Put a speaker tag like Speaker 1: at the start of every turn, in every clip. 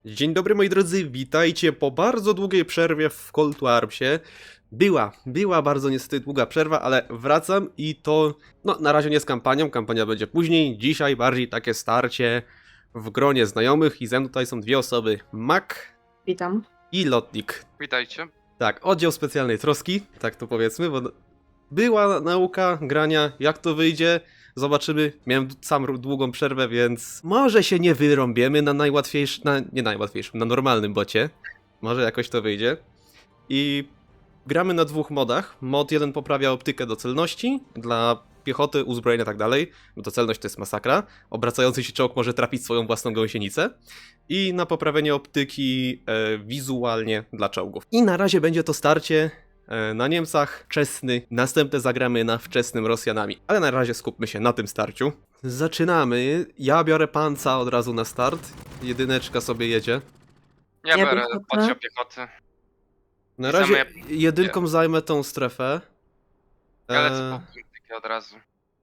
Speaker 1: Dzień dobry moi drodzy, witajcie po bardzo długiej przerwie w Call to Armsie. Była bardzo niestety długa przerwa, ale wracam i to, no na razie nie z kampanią, kampania będzie później. Dzisiaj bardziej takie starcie w gronie znajomych i ze mną tutaj są dwie osoby, Mac
Speaker 2: Witam.
Speaker 1: i Lotnik.
Speaker 3: Witajcie.
Speaker 1: Tak, oddział specjalnej troski, tak to powiedzmy, bo była nauka grania, jak to wyjdzie, zobaczymy. Miałem sam długą przerwę, więc może się nie wyrąbiemy na najłatwiejszym, nie najłatwiejszym, na normalnym bocie. Może jakoś to wyjdzie. I gramy na dwóch modach. Mod jeden poprawia optykę do celności, dla piechoty, uzbrojenia i tak dalej, bo to celność to jest masakra. Obracający się czołg może trafić swoją własną gąsienicę. I na poprawienie optyki wizualnie dla czołgów. I na razie będzie to starcie na Niemcach, wczesny, następne zagramy na wczesnym Rosjanami. Ale na razie skupmy się na tym starciu. Zaczynamy, ja biorę panca od razu na start, jedyneczka sobie jedzie.
Speaker 3: Ja
Speaker 2: Ja
Speaker 3: biorę
Speaker 2: piechotę.
Speaker 3: oddział piechoty.
Speaker 1: Na
Speaker 3: I
Speaker 1: razie
Speaker 3: same-
Speaker 1: jedynką zajmę tą strefę.
Speaker 3: Ja lecę po politykę od razu.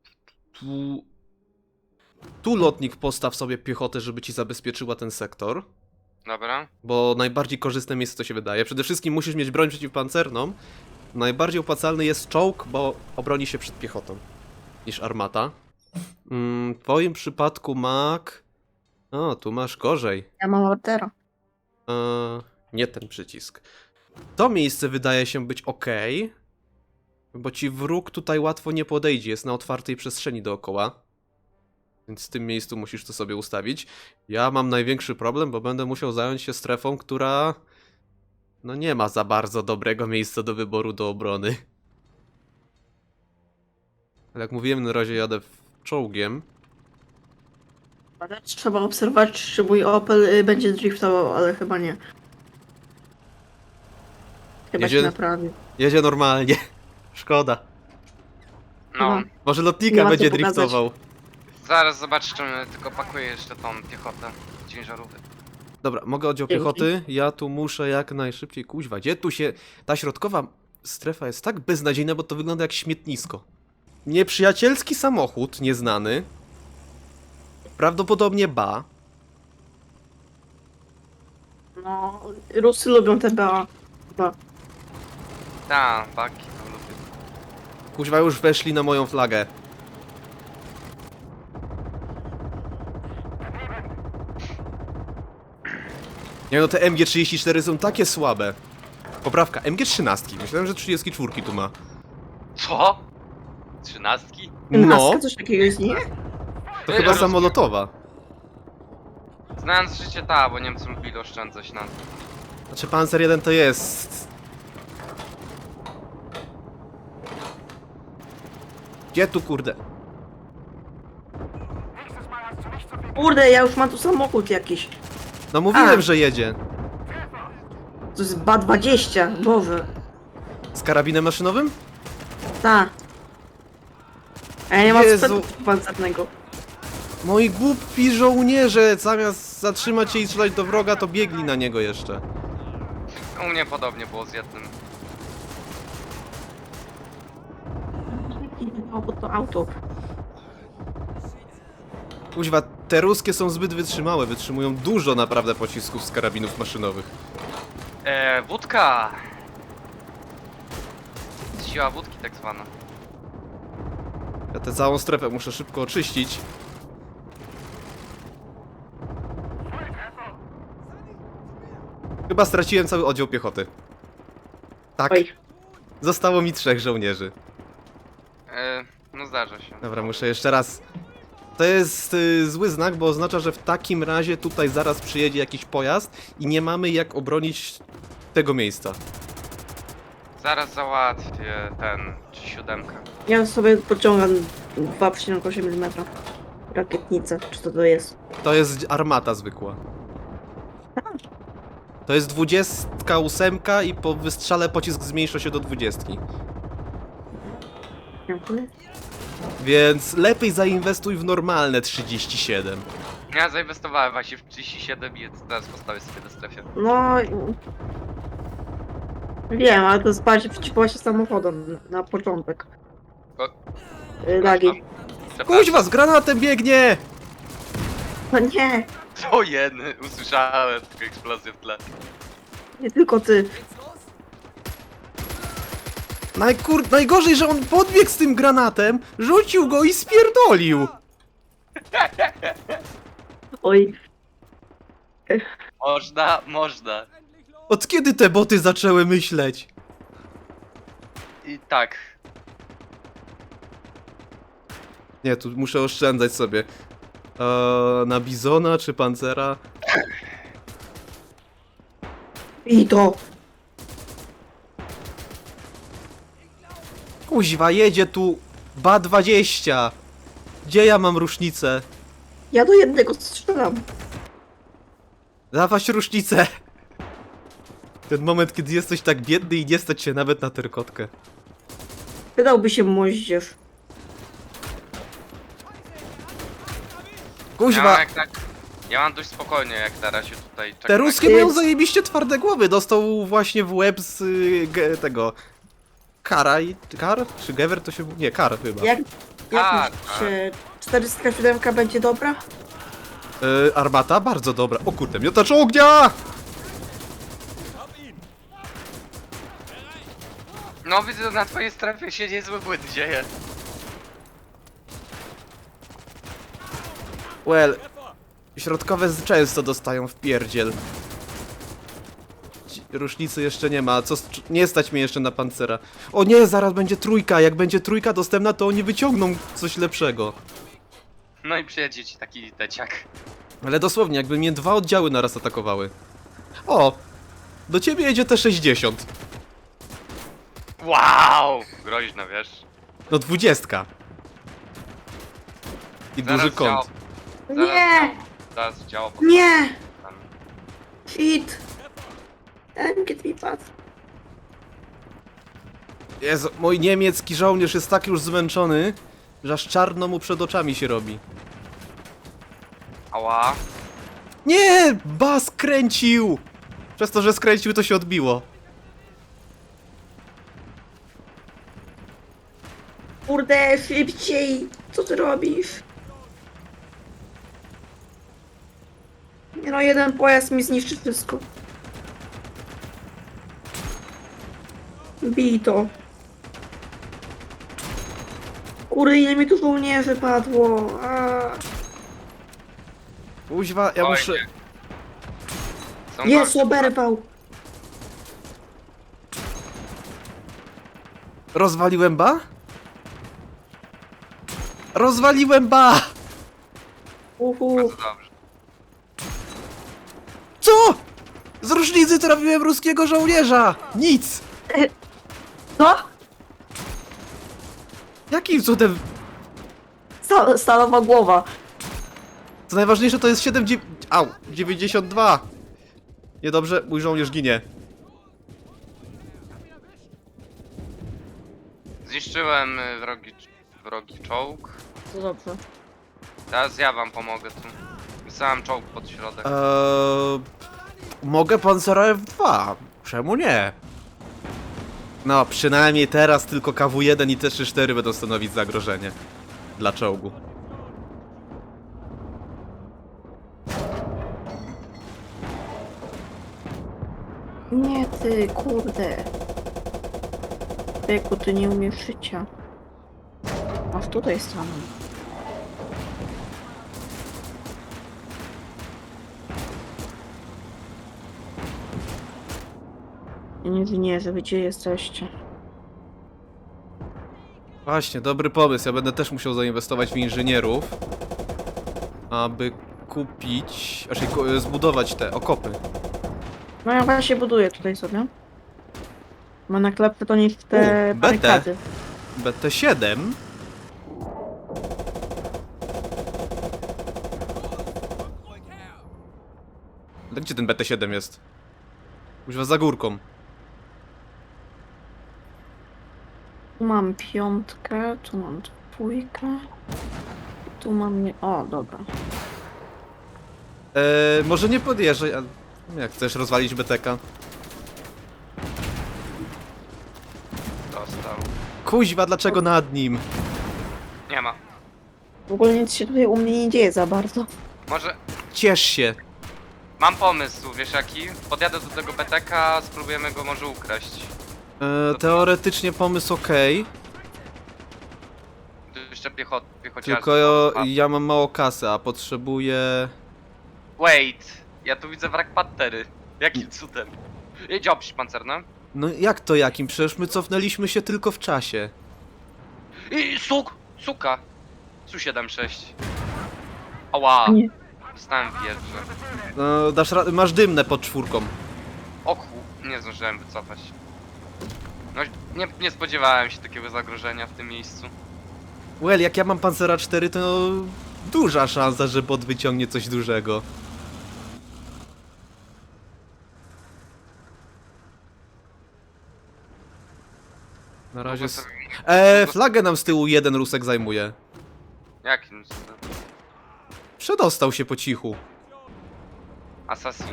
Speaker 1: Tu lotnik postaw sobie piechotę, żeby ci zabezpieczyła ten sektor.
Speaker 3: Dobra.
Speaker 1: Bo najbardziej korzystne miejsce to się wydaje. Przede wszystkim musisz mieć broń przeciwpancerną. Najbardziej opłacalny jest czołg, bo obroni się przed piechotą niż armata. W twoim przypadku, Mac... O, tu masz gorzej.
Speaker 2: Ja mam ordera.
Speaker 1: Nie ten przycisk. To miejsce wydaje się być ok, bo ci wróg tutaj łatwo nie podejdzie, jest na otwartej przestrzeni dookoła. Więc w tym miejscu musisz to sobie ustawić. Ja mam największy problem, bo będę musiał zająć się strefą, która... no nie ma za bardzo dobrego miejsca do wyboru do obrony. Ale jak mówiłem, na razie jadę czołgiem.
Speaker 2: Ale trzeba obserwować, czy mój Opel będzie driftował, ale chyba nie. Chyba
Speaker 1: Jedzie-
Speaker 2: się naprawił.
Speaker 1: Jedzie normalnie. Szkoda.
Speaker 3: No,
Speaker 2: Mhm.
Speaker 1: Może
Speaker 2: Nie
Speaker 1: lotnika
Speaker 2: ma co
Speaker 1: będzie
Speaker 2: pokazać.
Speaker 1: driftował.
Speaker 3: zaraz zobaczymy, tylko pakuję jeszcze tą piechotę ciężarówek.
Speaker 1: Dobra, mogę oddział
Speaker 2: Dzięki.
Speaker 1: piechoty. Ja tu muszę jak najszybciej kuźwa. Gdzie tu się... Ta środkowa strefa jest tak beznadziejna, bo to wygląda jak śmietnisko. Nieprzyjacielski samochód, nieznany. Prawdopodobnie BA.
Speaker 2: No, Rusy lubią te BA. Chyba.
Speaker 3: Ta, baki to lubię.
Speaker 1: Kuźwa już weszli na moją flagę. Nie no, te MG34 są takie słabe. Poprawka, MG13. Myślałem, że 34 tu ma.
Speaker 3: Co? 13?
Speaker 1: No,
Speaker 2: Maska, coś takiego jest, nie?
Speaker 1: to chyba samolotowa.
Speaker 3: Znając życie, ta, bo Niemcy lubili oszczędzać na...
Speaker 1: Znaczy Panzer 1 to jest... Gdzie tu kurde?
Speaker 2: Kurde, ja już mam tu samochód jakiś.
Speaker 1: No mówiłem,
Speaker 2: A.
Speaker 1: że jedzie.
Speaker 2: To jest BA-20, Boże.
Speaker 1: Z karabinem maszynowym?
Speaker 2: Ta. A ja nie mam
Speaker 1: Jezu.
Speaker 2: sprzętu pancernego.
Speaker 1: Moi głupi żołnierze, zamiast zatrzymać się i strzelać do wroga, to biegli na niego jeszcze.
Speaker 3: U mnie podobnie było z jednym.
Speaker 2: To auto.
Speaker 1: Kuźwa, te ruskie są zbyt wytrzymałe, wytrzymują dużo naprawdę pocisków z karabinów maszynowych.
Speaker 3: Wódka! Siła wódki tak zwana.
Speaker 1: Ja tę całą strefę muszę szybko oczyścić. Chyba straciłem cały oddział piechoty. Tak,
Speaker 2: Oj.
Speaker 1: zostało mi 3 żołnierzy.
Speaker 3: No zdarza się.
Speaker 1: Dobra, muszę jeszcze raz. To jest zły znak, bo oznacza, że w takim razie tutaj zaraz przyjedzie jakiś pojazd i nie mamy jak obronić tego miejsca.
Speaker 3: Zaraz załatwię ten, czy 7.
Speaker 2: Ja sobie pociągam 2,8 mm. Rakietnicę, czy to jest?
Speaker 1: To jest armata zwykła. To jest 28 i po wystrzale pocisk zmniejsza się do 20.
Speaker 2: Dziękuję.
Speaker 1: Więc lepiej zainwestuj w normalne 37.
Speaker 3: Ja zainwestowałem właśnie w 37 i teraz postawię sobie na strefie.
Speaker 2: No... Wiem, ale to jest bardziej przeciwko się samochodem na początek.
Speaker 3: O,
Speaker 2: Lagi.
Speaker 3: Przepraszam.
Speaker 1: Kuźwa, z granatem biegnie!
Speaker 2: No nie!
Speaker 3: To jeny, usłyszałem tylko eksplozję w tle.
Speaker 2: Nie tylko ty.
Speaker 1: Najgorzej, że on podbiegł z tym granatem, rzucił go i spierdolił.
Speaker 2: Oj.
Speaker 3: Można.
Speaker 1: Od kiedy te boty zaczęły myśleć?
Speaker 3: I tak.
Speaker 1: Nie, tu muszę oszczędzać sobie. Na Bizona czy Pancera?
Speaker 2: I to.
Speaker 1: Kuźwa, jedzie tu BA-20. Gdzie ja mam rusznicę?
Speaker 2: Ja do jednego strzelam.
Speaker 1: Dawać rusznicę. Ten moment, kiedy jesteś tak biedny i nie stać się nawet na terkotkę.
Speaker 2: Wydałby się moździerz.
Speaker 1: Kuźwa,
Speaker 3: Ja mam dość spokojnie jak na razie tutaj.
Speaker 1: te
Speaker 3: czekam
Speaker 1: ruskie
Speaker 3: na-
Speaker 1: mają zajebiście twarde głowy. Dostał właśnie w łeb z tego... Kar? Czy Gewer to się... Nie, Kar chyba.
Speaker 2: Jak
Speaker 3: Tak,
Speaker 2: myślicie, 407 będzie dobra?
Speaker 1: Armata? Bardzo dobra. O kurde, miotacz ognia!
Speaker 3: No widzę, że na twojej strefie się niezły błęd dzieje.
Speaker 1: Well, środkowe często dostają w pierdziel. Rusznicy jeszcze nie ma, nie stać mnie jeszcze na pancera. O nie, zaraz będzie trójka, jak będzie trójka dostępna, to oni wyciągną coś lepszego.
Speaker 3: No i przyjedzie ci taki deciak.
Speaker 1: Ale dosłownie, jakby mnie dwa oddziały naraz atakowały. O! Do ciebie jedzie T-60.
Speaker 3: Wow! Groźno, wiesz.
Speaker 1: No 20. I
Speaker 3: Zaraz
Speaker 1: duży kąt.
Speaker 3: działa.
Speaker 2: Nie!
Speaker 3: Zaraz działa.
Speaker 2: Nie!
Speaker 3: Tam.
Speaker 2: Shit! Get me pass.
Speaker 1: Jezu, mój niemiecki żołnierz jest tak już zmęczony, że aż czarno mu przed oczami się robi.
Speaker 3: Ała.
Speaker 1: Nie! Bas kręcił! Przez to, że skręcił, to się odbiło.
Speaker 2: Kurde, szybciej! Co ty robisz? Nie no, jeden pojazd mi zniszczy wszystko. Bij to. Kurde, ile mi tu żołnierzy padło.
Speaker 1: Kuźwa, ja
Speaker 3: Oj,
Speaker 1: muszę...
Speaker 3: nie. Są
Speaker 2: Jest,
Speaker 3: gorsze.
Speaker 2: oberwał.
Speaker 1: Rozwaliłem ba? Rozwaliłem ba!
Speaker 2: Uhu.
Speaker 3: Bardzo dobrze.
Speaker 1: Co? Z różnicy trafiłem ruskiego żołnierza! Nic!
Speaker 2: Co?
Speaker 1: Jakim cudem?
Speaker 2: Stalowa głowa.
Speaker 1: Co najważniejsze, to jest 92! Niedobrze, mój żołnierz ginie.
Speaker 3: Zniszczyłem wrogi czołg.
Speaker 2: To dobrze.
Speaker 3: Teraz ja wam pomogę tu. Wysłałem czołg pod środek.
Speaker 1: Mogę Pancera F2. Czemu nie? No, przynajmniej teraz tylko KW-1 i T-34 będą stanowić zagrożenie dla czołgu.
Speaker 2: Nie ty, kurde. Wieku, ty nie umiesz życia. Aż tutaj stanę. Inżynierze, wy gdzie jesteście?
Speaker 1: Właśnie, dobry pomysł. Ja będę też musiał zainwestować w inżynierów, aby kupić, zbudować te okopy.
Speaker 2: No ja właśnie buduję tutaj sobie. Ma na klepce to niż te
Speaker 1: BT.
Speaker 2: barykady.
Speaker 1: BT-7? Ale gdzie ten BT-7 jest? Kuźwa, za górką.
Speaker 2: Tu mam piątkę, tu mam dwójkę. Tu mam nie... O, dobra.
Speaker 1: Może nie podjeżdżaj, ale jak chcesz rozwalić BTK?
Speaker 3: Dostał.
Speaker 1: Kuźwa, dlaczego nad nim?
Speaker 3: Nie ma.
Speaker 2: W ogóle nic się tutaj u mnie nie dzieje za bardzo.
Speaker 3: Może
Speaker 1: ciesz się.
Speaker 3: Mam pomysł, wiesz jaki? Podjadę do tego BTK, spróbujemy go może ukraść.
Speaker 1: Teoretycznie pomysł okej,
Speaker 3: Tu jeszcze piechociarstwo.
Speaker 1: tylko ja mam mało kasy, a potrzebuję...
Speaker 3: Wait, ja tu widzę wrak Pantery. Jakim cudem? Jedź obś pancerna.
Speaker 1: No jak to jakim? Przecież my cofnęliśmy się tylko w czasie.
Speaker 3: I suka! Su-76. Ała,
Speaker 2: Nie.
Speaker 3: dostałem wieżę.
Speaker 1: No, dasz radę, masz dymne pod czwórką.
Speaker 3: Oku, nie zdążyłem wycofać. No, nie spodziewałem się takiego zagrożenia w tym miejscu.
Speaker 1: Well, jak ja mam Pancera 4, to duża szansa, że bot wyciągnie coś dużego. Na razie...
Speaker 3: Długo sobie-
Speaker 1: Flagę nam z tyłu jeden Rusek zajmuje.
Speaker 3: Jakim cudem?
Speaker 1: Przedostał się po cichu.
Speaker 3: Assassin.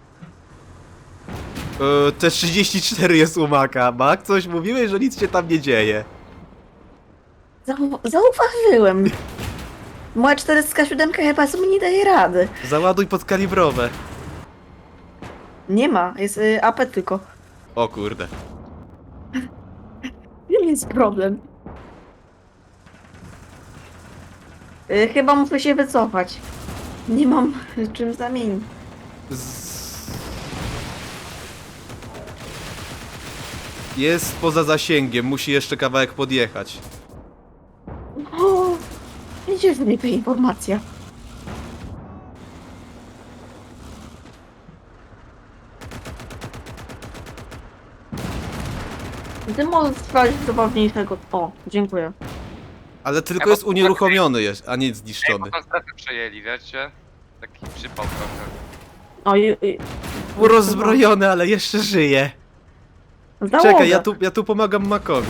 Speaker 1: T34 jest u Maka. Mak, coś mówiłeś, że nic się tam nie dzieje.
Speaker 2: Zauważyłem. Moja 407 chyba sobie nie daje rady.
Speaker 1: Załaduj podkalibrowe.
Speaker 2: Nie ma, jest AP tylko.
Speaker 1: O kurde.
Speaker 2: Nie jest problem. Chyba muszę się wycofać. Nie mam czym zamienić.
Speaker 1: Jest poza zasięgiem, musi jeszcze kawałek podjechać.
Speaker 2: O, gdzie jest mi ta informacja? Ty możesz sprawdzić zabawniejszego. O, dziękuję.
Speaker 1: Ale tylko
Speaker 3: Ja
Speaker 1: jest
Speaker 3: mam-
Speaker 1: unieruchomiony, a nie
Speaker 3: Ej,
Speaker 1: zniszczony.
Speaker 3: bo strefę przejęli, wiecie? Taki przypał trochę.
Speaker 2: O,
Speaker 1: Rozbrojony, ale jeszcze żyje.
Speaker 2: załoga.
Speaker 1: Czekaj, ja tu pomagam Makowi.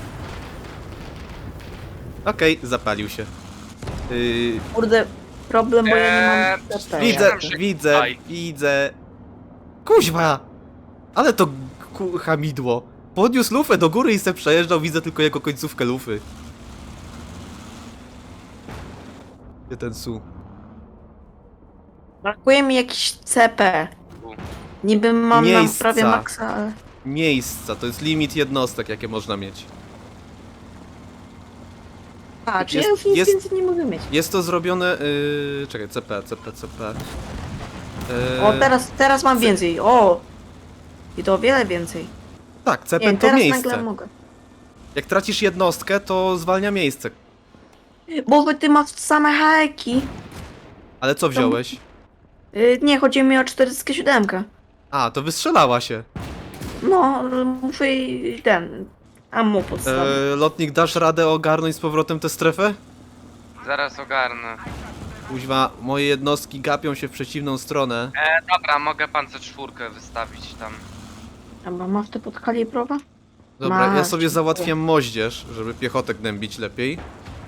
Speaker 1: Okej, zapalił się.
Speaker 2: Kurde, problem, bo ja nie mam TP.
Speaker 1: Widzę,
Speaker 3: Siedem,
Speaker 1: widzę,
Speaker 3: Aj.
Speaker 1: widzę. Kuźwa! Ale to hamidło. Podniósł lufę do góry i se przejeżdżał, widzę tylko jego końcówkę lufy. Gdzie ten su?
Speaker 2: Brakuje mi jakiś CP.
Speaker 3: U.
Speaker 2: Niby mam na
Speaker 1: Miejsca.
Speaker 2: prawie maksa, ale...
Speaker 1: Miejsca, to jest limit jednostek, jakie można mieć.
Speaker 2: A, czy
Speaker 1: Jest-
Speaker 2: ja już nic
Speaker 1: jest-
Speaker 2: więcej nie mogę mieć.
Speaker 1: Jest to zrobione... czekaj, CP.
Speaker 2: O, teraz mam więcej. O! I to o wiele więcej.
Speaker 1: Tak, CP
Speaker 2: Nie,
Speaker 1: to
Speaker 2: teraz
Speaker 1: miejsce.
Speaker 2: nagle mogę.
Speaker 1: Jak tracisz jednostkę, to zwalnia miejsce.
Speaker 2: Bo ty masz same haki.
Speaker 1: Ale co wziąłeś?
Speaker 2: Nie, chodzi mi o 407.
Speaker 1: A, to wystrzelała się.
Speaker 2: No, muszę jej ten... ammo podstawić.
Speaker 1: Lotnik, dasz radę ogarnąć z powrotem tę strefę?
Speaker 3: Zaraz ogarnę.
Speaker 1: Kuźwa, moje jednostki gapią się w przeciwną stronę.
Speaker 3: Dobra, mogę pancer czwórkę wystawić tam.
Speaker 2: Chyba masz te podkalibrowe?
Speaker 1: Dobra, ja
Speaker 2: Masz,
Speaker 1: sobie
Speaker 2: dziękuję.
Speaker 1: załatwiam moździerz, żeby piechotę gnębić lepiej.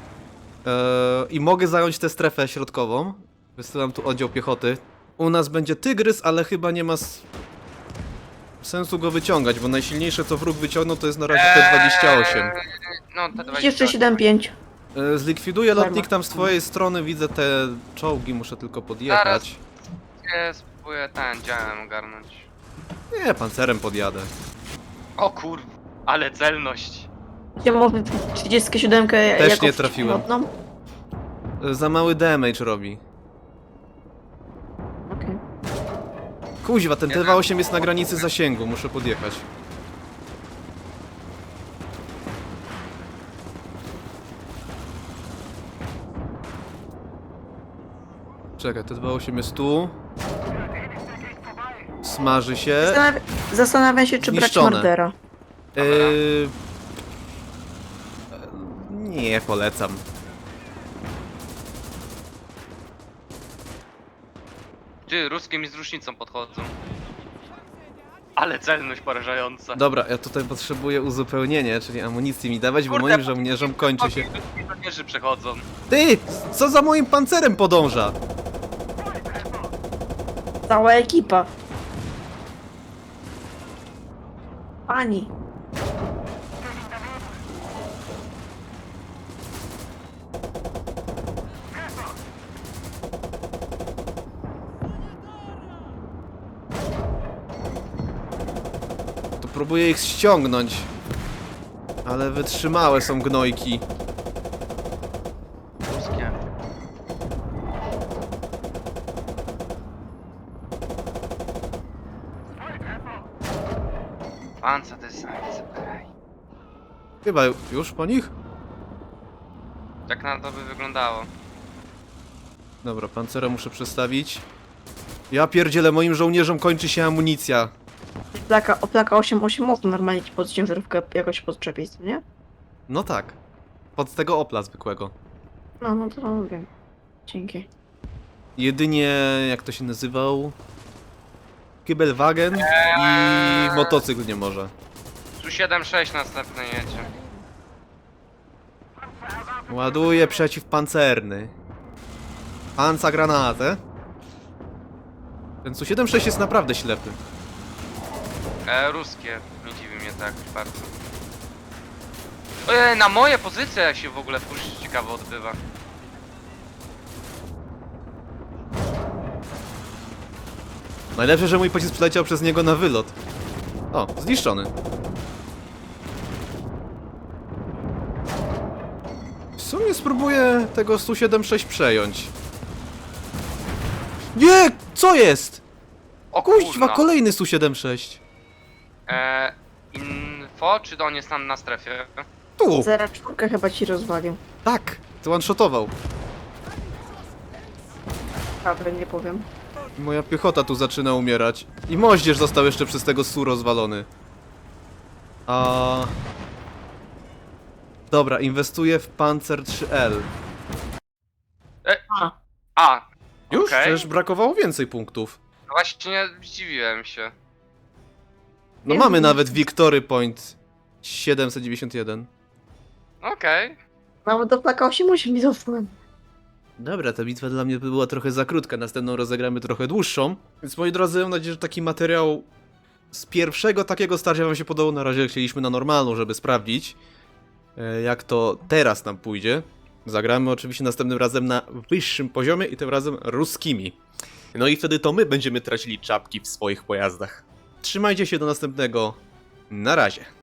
Speaker 1: I mogę zająć tę strefę środkową. Wysyłam tu oddział piechoty. U nas będzie tygrys, ale chyba nie ma sensu go wyciągać, bo najsilniejsze co wróg wyciągnął to jest na razie T28.
Speaker 3: No, te 20.
Speaker 2: Jeszcze 7,5.
Speaker 1: Zlikwiduję
Speaker 2: Darma.
Speaker 1: lotnik tam z twojej strony, widzę te czołgi, muszę tylko podjechać.
Speaker 3: Ja spróbuję ten działem ogarnąć.
Speaker 1: Nie, pancerem podjadę.
Speaker 3: O kur... ale celność.
Speaker 2: Gdzie może 37
Speaker 1: Też
Speaker 2: jako
Speaker 1: nie trafiłem.
Speaker 2: przeciwlotną?
Speaker 1: Za mały damage robi.
Speaker 2: Okej.
Speaker 1: Kuźwa, ten T28 jest na granicy zasięgu, muszę podjechać. Czekaj, T28 jest tu. Smaży się.
Speaker 2: Zastanawiam się, czy brać
Speaker 1: Zniszczone.
Speaker 2: mordera.
Speaker 1: Yy... Nie polecam.
Speaker 3: Ty, ruskie mi z rusznicą podchodzą. Ale celność porażająca.
Speaker 1: Dobra, ja tutaj potrzebuję uzupełnienie, czyli amunicji mi dawać, bo
Speaker 3: Kurde,
Speaker 1: moim żołnierzom kończy się...
Speaker 3: Żołnierze przechodzą.
Speaker 1: Ty! Co za moim pancerem podąża?
Speaker 2: Cała ekipa. Pani.
Speaker 1: Spróbuję ich ściągnąć. Ale wytrzymałe są gnojki.
Speaker 3: Ruskie. Panca design, okej.
Speaker 1: Chyba już po nich?
Speaker 3: Tak na to by wyglądało.
Speaker 1: Dobra, pancera muszę przestawić. Ja pierdzielę, moim żołnierzom kończy się amunicja.
Speaker 2: Plaka 8.8 można normalnie ci pod ciężarówkę jakoś podczepić, co nie?
Speaker 1: No tak. Pod tego Opla zwykłego.
Speaker 2: No to wiem. Dzięki.
Speaker 1: Jedynie, jak to się nazywał? Kibelwagen i motocykl nie może.
Speaker 3: Tu 7-6 następny jedzie.
Speaker 1: Ładuje przeciwpancerny. Panca granatę. Ten Su-76 jest naprawdę ślepy.
Speaker 3: Ruskie. Nie dziwi mnie tak bardzo. Ojej, na moje pozycje jak się w ogóle push ciekawo odbywa.
Speaker 1: Najlepsze, że mój pocisk przyleciał przez niego na wylot. O, zniszczony. W sumie spróbuję tego Su-76 przejąć. Nie! Co jest?
Speaker 3: O
Speaker 1: Kuźwa,
Speaker 3: kurna.
Speaker 1: kolejny Su-76.
Speaker 3: Info, czy on jest tam na strefie?
Speaker 1: Tu!
Speaker 2: 0.4 chyba ci rozwalił.
Speaker 1: Tak! To one-shotował.
Speaker 2: Prawdę nie powiem.
Speaker 1: Moja piechota tu zaczyna umierać. I moździerz został jeszcze przez tego Su rozwalony. Dobra, inwestuję w Panzer 3L.
Speaker 3: A,
Speaker 1: Już?
Speaker 3: okej.
Speaker 1: Przecież brakowało więcej punktów.
Speaker 3: No właśnie zdziwiłem się.
Speaker 1: No
Speaker 2: Nie
Speaker 1: mamy
Speaker 2: wiem.
Speaker 1: nawet Victory Point 791.
Speaker 3: Okej.
Speaker 2: Nawet do plaka 8.8 mi zostałem.
Speaker 1: Dobra, ta bitwa dla mnie była trochę za krótka, następną rozegramy trochę dłuższą. Więc moi drodzy, mam nadzieję, że taki materiał z pierwszego takiego starcia wam się podobał. Na razie chcieliśmy na normalną, żeby sprawdzić, jak to teraz nam pójdzie. Zagramy oczywiście następnym razem na wyższym poziomie i tym razem ruskimi. No i wtedy to my będziemy tracili czapki w swoich pojazdach. Trzymajcie się, do następnego. Na razie.